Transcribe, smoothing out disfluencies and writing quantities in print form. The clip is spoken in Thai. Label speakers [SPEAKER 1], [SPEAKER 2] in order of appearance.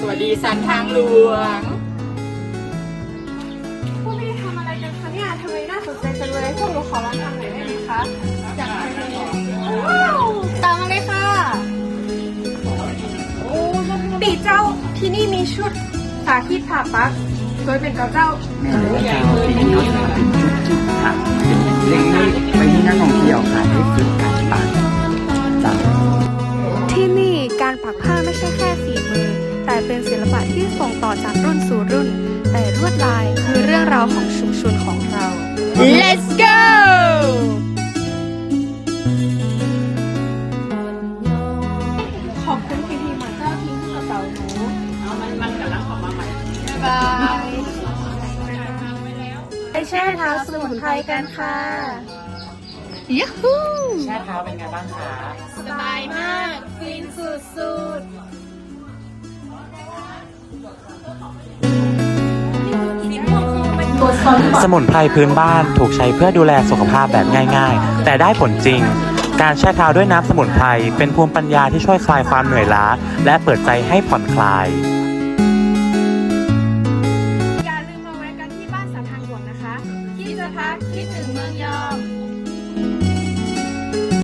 [SPEAKER 1] วัสดีสันทางหลวง
[SPEAKER 2] พวกพี่ทำอะไรกันคะเนี่ยทำไมน่าสนใจจังเลยพวกหนูขอลองทำหน่อยได้ไหมคะอยากทำเลยว้าวตามมาเลยค่ะโอ้ปีเจ้าที่นี่มีชุดสาธิตผ่าปักโดยเป็นเจ้า
[SPEAKER 3] แม่รู้เจ้าที่นี่เขาจะมาเป็นจุดๆค่ะเป็นเล็กๆไปที่นักท่องเที่ยวค่ะได้ฝึกการปักจ้ะ
[SPEAKER 2] ที่นี่การปักผ้าไม่ใช่แค่ฝีมือแต่เป็นศิลปะที่ส่งต่อจากรุ่นสู่รุ่นแต่ลวดลายคือเรื่องราวของชุมชนของเรา
[SPEAKER 1] Let's go
[SPEAKER 2] ขอบคุณพี่ๆมาเจ้าทิ้งกระเป๋าหนูมันกำลังออกมาใหม่บายไปแช่เท้าสมุนไพรกันค่ะยูฮู
[SPEAKER 3] แช่เท้าเป็นไงบ้างคะ
[SPEAKER 2] สบายมากฟินสุดๆ
[SPEAKER 4] สมุนไพรพื้นบ้านถูกใช้เพื่อดูแลสุขภาพแบบง่ายๆ แต่ได้ผลจริง การแช่เท้าด้วยน้ำสมุนไพรเป็นภูมิปัญญาที่ช่วยคลายความเหนื่อยล้าและเปิดใจให้ผ่อนคลาย